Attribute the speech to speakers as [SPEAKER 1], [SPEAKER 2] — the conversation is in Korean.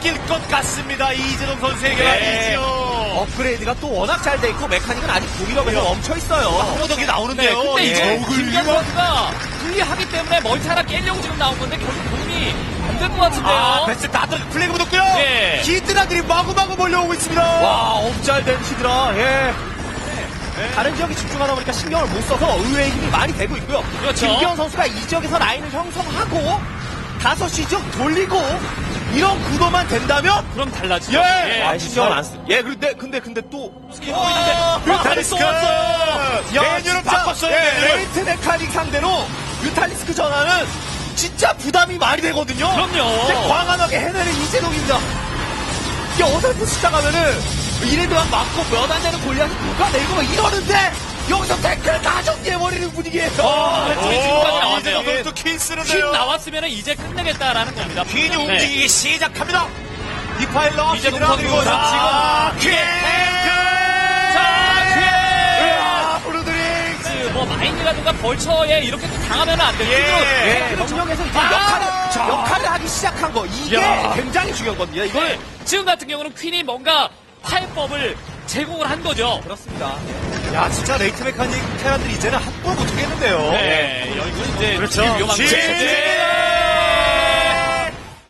[SPEAKER 1] 이길 것 같습니다. 이재동 선수에게 말이죠.
[SPEAKER 2] 업그레이드가 또 워낙 잘 돼 있고 메카닉은 아직 공격에서 멈춰 있어요.
[SPEAKER 1] 호덕이 나오는데요.
[SPEAKER 3] 네, 근데 이제
[SPEAKER 1] 예.
[SPEAKER 3] 김경 선수가 불리하기 때문에 멀티 하나 깨려고 지금 나온 건데 결국 도움이 안 될 것 같은데요.
[SPEAKER 1] 베스트 다 플래그 묻었고요.
[SPEAKER 3] 예.
[SPEAKER 1] 히드라들이 마구마구 몰려오고 있습니다.
[SPEAKER 2] 와, 업잘된 히드라. 예. 다른 지역에 집중하다 보니까 신경을 못 써서 의외의 힘이 많이 되고 있고요.
[SPEAKER 3] 그렇죠.
[SPEAKER 2] 김기현 선수가 이 지역에서 라인을 형성하고 5시 지역 돌리고 이런 구도만 된다면
[SPEAKER 3] 그럼 달라지죠.
[SPEAKER 2] 아, 신경을 안 쓰. 예, 근데 또 스킬 보이는데
[SPEAKER 1] 뮤탈리스크 메뉴를 바꿨어요.
[SPEAKER 2] 레이트 메카닉 상대로 뮤탈리스크 전환은 진짜 부담이 많이 되거든요.
[SPEAKER 3] 그럼요.
[SPEAKER 2] 이제 광활하게 해내는 이재동입니다. 이게 어설프 시작하면은 이레드만 맞고 몇 안 되는 골리앗이 누가 내고 막 이러는데 여기서 태클을 다 정리해버리는 분위기예요.
[SPEAKER 3] 왼쪽에 지금까지 나왔네요.
[SPEAKER 1] 이재동 선수 퀸 쓰는데요.
[SPEAKER 3] 퀸 나왔으면 이제 끝내겠다라는 겁니다.
[SPEAKER 1] 퀸이
[SPEAKER 3] 네.
[SPEAKER 1] 움직이기 시작합니다. 디파일러
[SPEAKER 3] 이재동
[SPEAKER 1] 히드라
[SPEAKER 3] 선수
[SPEAKER 1] 그리고 지금 퀸 브루드링
[SPEAKER 3] 뭐 마인이라든가 벌처에 이렇게 당하면 안 돼요.
[SPEAKER 1] 예.
[SPEAKER 2] 정력에서 이제
[SPEAKER 1] 자.
[SPEAKER 2] 역할을 하기 시작한 거 이게
[SPEAKER 3] 야.
[SPEAKER 2] 굉장히 중요하거든요. 이걸
[SPEAKER 3] 네. 지금 같은 경우는 퀸이 뭔가 파해법을 제공을 한 거죠.
[SPEAKER 2] 그렇습니다.
[SPEAKER 1] 야 진짜 레이트 메카닉 테란들이 이제는 합볼 못하겠는데요.
[SPEAKER 3] 네, 여기는 이제
[SPEAKER 1] 그렇죠.
[SPEAKER 3] 위험한
[SPEAKER 1] 지-
[SPEAKER 3] 거죠. 네.